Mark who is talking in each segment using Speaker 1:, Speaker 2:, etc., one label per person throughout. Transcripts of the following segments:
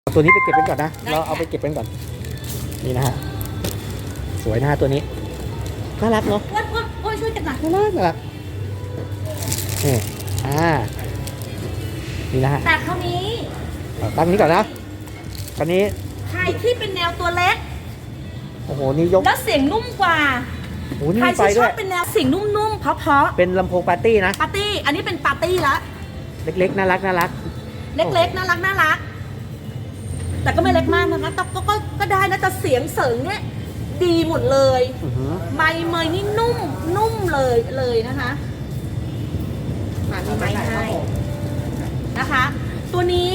Speaker 1: ตัวนี้ไปเก็บเป็นก่อนนะเราเอาไปเก็บเป็นก่อนนี่นะฮะสวยนะฮะตัวนี้น่ารักเนาะ
Speaker 2: โอ้ยช่วยกันหน่อย
Speaker 1: น่ารักนี่นี่นะฮะ
Speaker 2: แต่คราวนี้
Speaker 1: ตั้งนี้ก่อนนะตอนนี้
Speaker 2: ใครที่เป็นแนวตัวเล็ก
Speaker 1: โอ้โหนี่ยก
Speaker 2: แล้วเสียงนุ่มกว่าใครที่ชอบเป็นแนวเสียงนุ่มๆเพราะ
Speaker 1: เป็นลำโพงปาร์ตี้นะ
Speaker 2: ปาร์ตี้อันนี้เป็นปาร์ตี้ละ
Speaker 1: เล็กๆน่ารัก
Speaker 2: เล็กๆน่ารักแต่ก็ไม่เล็กมากนะคะแต่ก็ได้นะแต่เสียงเสริงเนี่ยดีหมดเลยไมค์เมยนี่นุ่มเลยนะคะมีไมค์ให้นะคะ ตัวนี้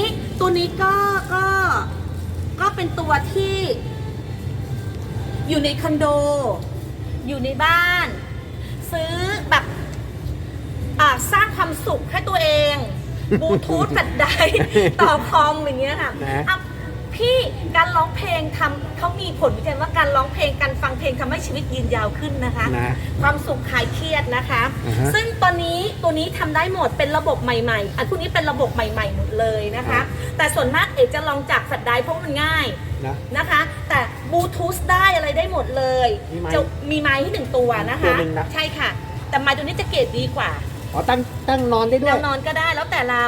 Speaker 2: ก็เป็นตัวที่อยู่ในคอนโดอยู่ในบ้านซื้อแบบสร้างความสุขให้ตัวเองบลูทูธแฟลชไดร์ต่อคอมอย่างเงี้ยค่ะพี่การร้องเพลงเขามีผลวิจัยว่าการร้องเพลงการฟังเพลงทำให้ชีวิตยืนยาวขึ้นนะคะความสุขคลายเครียดนะคะซึ่งตัวนี้ทำได้หมดเป็นระบบใหม่ๆอันพวกนี้เป็นระบบใหม่ๆหมดเลยนะคะแต่ส่วนมากเอกจะลองจากแฟลชไดร์เพราะมันง่ายนะคะแต่บลูทูธได้อะไรได้หมดเลยจะมีไมค์ให้1 ตัวนะคะใช่ค่ะแต่ไมค์ตัวนี้จะเกรดดีกว่า
Speaker 1: ตั้งนอนได้ด้วย
Speaker 2: นอนก็ได้แล้วแต่เรา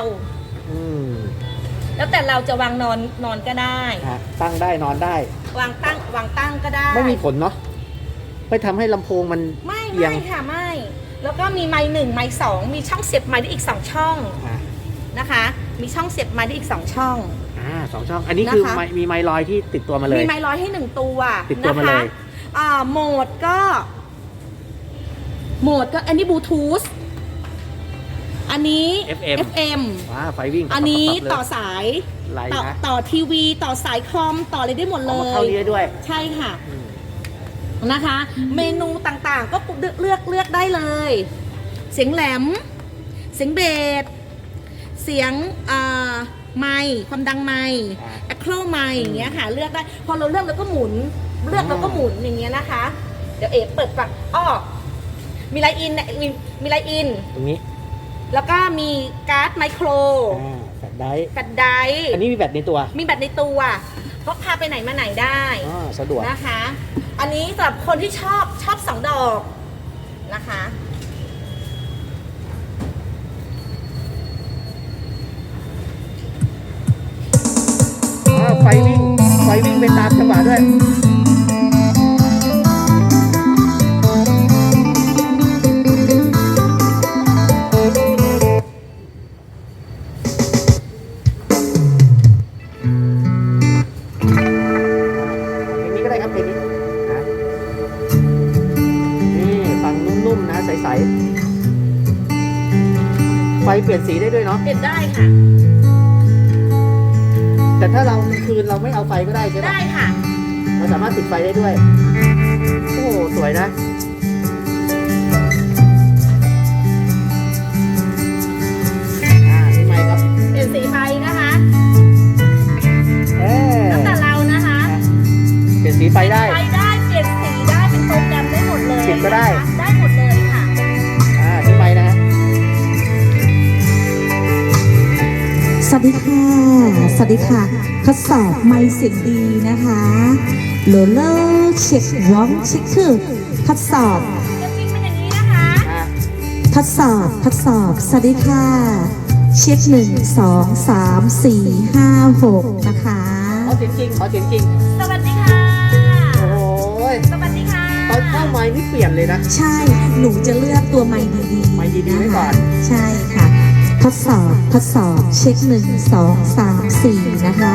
Speaker 2: จะวางนอนก็ได้
Speaker 1: ตั้งได้นอนได้
Speaker 2: วางตั้งก็ได้
Speaker 1: ไม่มีผลเนาะไม่ทำให้ลำโพงมัน
Speaker 2: ไม่ค่ะไม่แล้วก็มีไมค์1ไมค์2มีช่องเสียบไมค์ได้อีก2ช่องนะคะมีช่องเสียบไมค์ได้อีก2ช่อง
Speaker 1: 2 ช่องอันนี้คือมีไมค์ลอยที่ติดตัวมาเลย
Speaker 2: มีไมค์ลอยให้1 ตัว
Speaker 1: ติดตัวมาเลย
Speaker 2: โหมดก็อันนี้บลูทูธอันนี้ FM
Speaker 1: ไฟวิ่ง
Speaker 2: อันนี้ต่อสายต่อทีวีต่อสายคอมต่ออะไรได้หมดเลย
Speaker 1: เข้านี้ด้วย
Speaker 2: ใช่ค่ะนะคะเมนูต่างๆก็เลือกได้เลยเสียงแหลมเสียงเบสเสียงไมค์ความดังไมค์แอคโครไมค์อย่างเงี้ยค่ะเลือกได้พอเราเลือกแล้วก็หมุนอย่างเงี้ยนะคะเดี๋ยวเปิดฝักมีไลน์อินมีไลน์อิน
Speaker 1: ตรงนี้
Speaker 2: แล้วก็มีการ์ดไมโคร
Speaker 1: แฟลชไดร์
Speaker 2: อั
Speaker 1: นนี้มีแบตในตัว
Speaker 2: พกพาไปไหนมาไหนได้
Speaker 1: สะดวก
Speaker 2: นะคะอันนี้สำหรับคนที่ชอบ2 ดอกนะคะ
Speaker 1: ไฟวิ่งไปตามจังหวะด้วยใสๆไฟเปลี่ยนสีได้ด้วยเนาะ
Speaker 2: เปลี่ยนได้ค่ะ
Speaker 1: แต่ถ้าเราคืนเราไม่เอาไฟก็ได้ใช่ไหม
Speaker 2: ได้ค่ะ
Speaker 1: เราสามารถติดไฟได้ด้วยโอ้สวยนะนี่ไมค์ครับ
Speaker 2: เปลี่ยนสีไฟนะคะแล้วแต่เรานะคะ
Speaker 1: เปลี่ยนสีไฟได้
Speaker 2: เปลี่ยนสีได้เป็นโปรแกรมได้หมดเลย
Speaker 1: ปิดก็ได้
Speaker 2: หมดเลยค่ะ
Speaker 1: นี่ไมค์นะฮะ
Speaker 3: สวัสดีค่ะทดสอบไมค์เสียงดีนะคะโลเลอร์เช็คร้องเช็คคือทดสอบทดสอบสวัสดีค่ะเช็ค1 2 3 4 5 6นะคะ
Speaker 1: ขอเสียงจริง
Speaker 2: สวัสดีค่ะ
Speaker 1: โอ้ย
Speaker 2: สวัสดีค่ะ
Speaker 1: ตอนเข้าไมค์นี่เปลี่ยนเลยนะ
Speaker 3: ใช่หนูจะเลือกตัวไมค์ดีๆ
Speaker 1: ไว้ก่อน
Speaker 3: ใช่ค่ะทดสอบเช็ค1 2 3 4นะคะ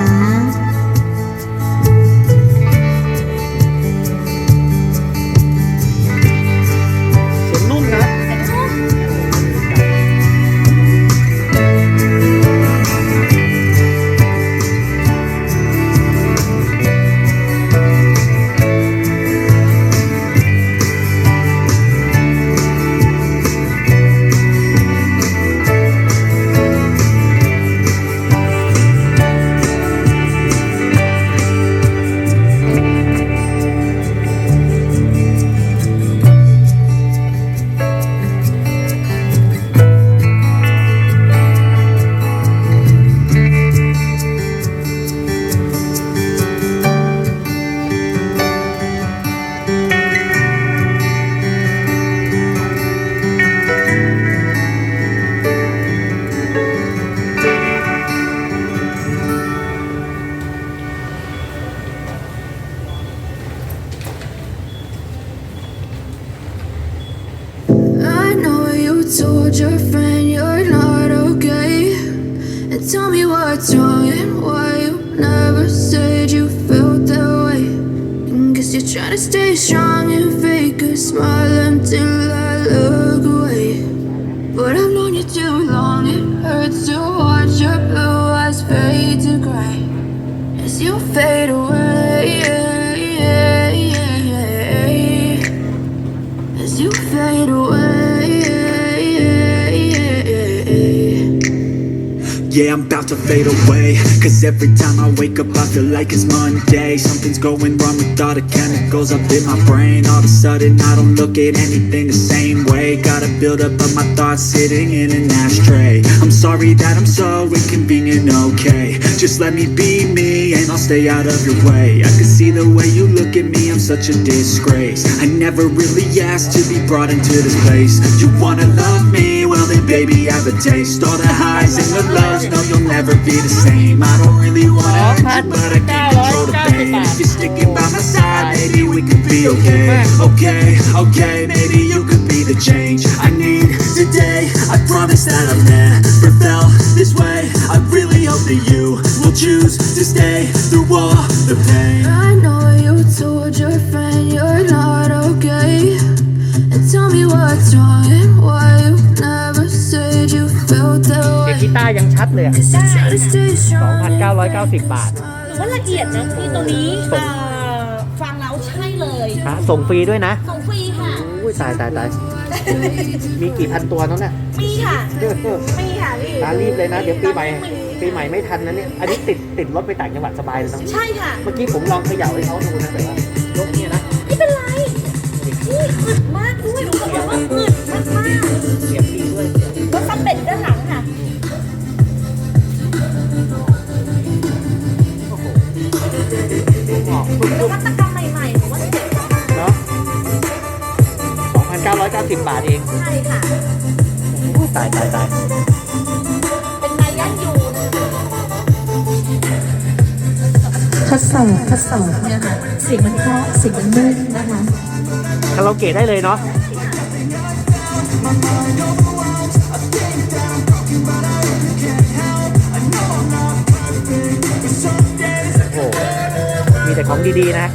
Speaker 1: เสียงนุ่มนะ
Speaker 4: told your friend you're not okay? And tell me what's wrong and why you never said you felt that way. And guess you're trying to stay strong and fake a smile until I look away. But I've known you too long, it hurts to watch your blue eyes fade to gray as you fade away. As you fade away.
Speaker 5: Yeah, I'm about to fade away. Cause every time I wake up I feel like it's Monday. Something's going wrong with all the chemicals up in my brain. All of a sudden I don't look at anything the same way. Gotta build up of my thoughts sitting in an ashtray. I'm sorry that I'm so inconvenient, okay. Just let me be me and I'll stay out of your way. I can see the way you look at me, I'm such a disgrace. I never really asked to be brought into this place. You wanna love me? Well then baby have a taste. All the highs and the lows, no you'll never be the same. I don't really wanna hurt you, but I can't control the pain. If you're sticking by my side, maybe we could be okay. Okay, maybe you could be the change I need today. I promise that I've never felt this way. I really hope that you will choose to stay through all the pain.
Speaker 4: I know you told your friend you're not okay. And tell me what's wrong and why you never said you felt that
Speaker 1: เสียง
Speaker 4: way.
Speaker 1: กีตาร์ยังชัดเลยอะ
Speaker 4: Cause you're trying to stay strong and
Speaker 1: 2,990 บาท
Speaker 2: หรือว่าละเอียดนะพี่ตัวนี้ฟังแล้วใช่เลย
Speaker 1: ฮะส่งฟรีด้วยนะ
Speaker 2: ส่งฟรีค่ะ
Speaker 1: อุ้ยตายมีกี่พันตัวนั้นน่ะ
Speaker 2: มีค่ะมีค่ะพี่
Speaker 1: รีบเลยนะ เดี๋ยวปีใหม่ไม่ทันนะเนี่ย อันนี้ติดรถไปต่างจังหวัดสบายเลยนะ
Speaker 2: ใช่ค่ะ
Speaker 1: เมื่อกี้ผมลองเขย่าให้เขาดูนะแต่ว่ายกเนี่ยนะ
Speaker 2: ไม่เป็นไรนี่อึดมากด้วยรู้สึกว่าอึดมากมาก
Speaker 1: เสียบดีด้วย
Speaker 2: รถซับเป็ดด้านหลังค่ะ
Speaker 1: ออก
Speaker 2: นวัตกรรมใหม่ๆผมว่าเจ๋งมาก
Speaker 1: เนาะ 2,990 บาทเอง
Speaker 2: ใช่ค่ะ
Speaker 1: ตาย
Speaker 2: เป็นไม้ยันยูน
Speaker 3: ทดสอบเนี่ยค่ะเสียงมันเพราะเสียงมันนุ่มนะคะ
Speaker 1: คาราโอเกะได้เลยเนาะ โอ้โห มีแต่ของดีๆนะ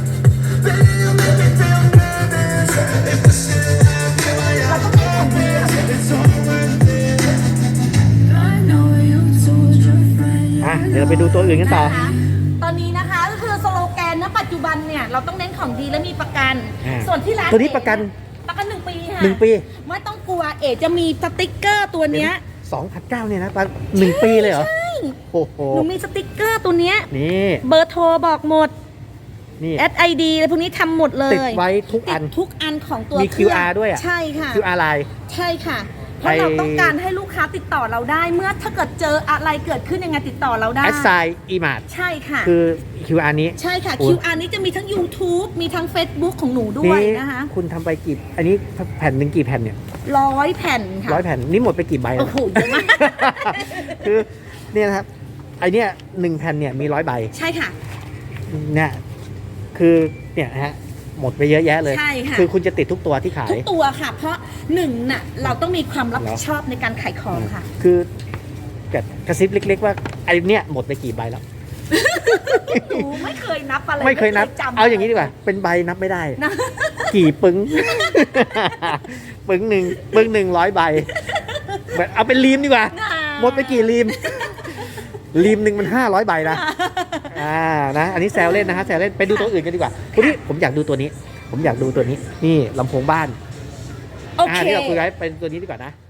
Speaker 4: I know you told your friend
Speaker 1: อ่ะ เดี๋ยวเราไปดูตัวอื่นกันต่อ
Speaker 2: นะคะตอนนี้นะคะก็คือสโลแกนณปัจจุบันเนี่ยเราต้องเน้นของดีและมีประกัน
Speaker 1: อ่า
Speaker 2: ส่วนที่ร้าน
Speaker 1: ตัวนี้ประกัน
Speaker 2: 1 ปีค่ะ
Speaker 1: 1 ปี
Speaker 2: ไม่ต้องกลัวเอ๋จะมีสติ๊กเกอร์ตัวเนี้ย
Speaker 1: 2,900เนี่ยนะ1 ปีเลยเหรอ
Speaker 2: ใช่
Speaker 1: โอ้โห
Speaker 2: หนูมีสติ๊กเกอร์ตัวเนี้ย
Speaker 1: นี่
Speaker 2: เบอร์โทรบอกหมด
Speaker 1: นี่
Speaker 2: SID อะไรพวกนี้ทำหมดเลย
Speaker 1: ติดไว้ทุกอัน
Speaker 2: ติดทุกอันของตัว
Speaker 1: มี
Speaker 2: เครื่อง
Speaker 1: QR ด้วยอะ
Speaker 2: ใช่ค่ะ
Speaker 1: QR Line
Speaker 2: ใช่ค่ะ เพราะเราต้องการให้ลูกค้าติดต่อเราได้ เมื่อถ้าเกิดเจออะไรเกิดขึ้นยังไงติดต่อเราได้
Speaker 1: แอดไซน์อีมาร์
Speaker 2: ใช่ค่ะ
Speaker 1: คือ QR นี้
Speaker 2: ใช่ค่ะ
Speaker 1: โอ้
Speaker 2: QR นี้จะมีทั้ง YouTube มีทั้ง Facebook ของหนูด้วยนะคะ
Speaker 1: คุณทำไปกี่ อันนี้แผ่นหนึ่งกี่แผ่นเนี่ย
Speaker 2: 100 แผ่นค่ะ
Speaker 1: 100 แผ่น นี่หมดไปกี่ใบแล้ว
Speaker 2: โอ้โหเยอะมาก
Speaker 1: คือเนี่ยนะครับ ไอเนี้ย1 แผ่นเนี่ยมี100 ใบ
Speaker 2: ใช่ค่ะ
Speaker 1: เนี่ยคือเนี่ยฮะหมดไปเยอะแยะเลย
Speaker 2: ใช่ค่ะ
Speaker 1: คือคุณจะติดทุกตัวที่ขาย
Speaker 2: ทุกตัวค่ะ เพราะหนึ่งน่ะเราต้องมีความรับผิดชอบในการขายของค่ะ
Speaker 1: คือแบบกระซิบเล็กๆว่าไอเนี่ยหมดไปกี่ใบแล้ว
Speaker 2: หนูไม่เคยนับอะไร
Speaker 1: ไม่เคยนับ
Speaker 2: จำ
Speaker 1: เอาอย่างนี้ดีกว่า เป็นใบนับไม่ได้
Speaker 2: นะ
Speaker 1: กี่ปึ้ง ปึ้งหนึ่ง100 ใบแบบเอาเป็นรีมดีกว่า หมดไปกี่รีม รีมหนึ่งมัน500 ใบนะ นะ อันนี้แซวเล่นนะฮะแซวเล่น ไปดูตัวอื่นกันดีกว่าตัวนี้ผมอยากดูตัวนี้ นี่ลำโพงบ้าน
Speaker 2: โอเค
Speaker 1: ที่เราคุยไว้เป็นตัวนี้ดีกว่านะ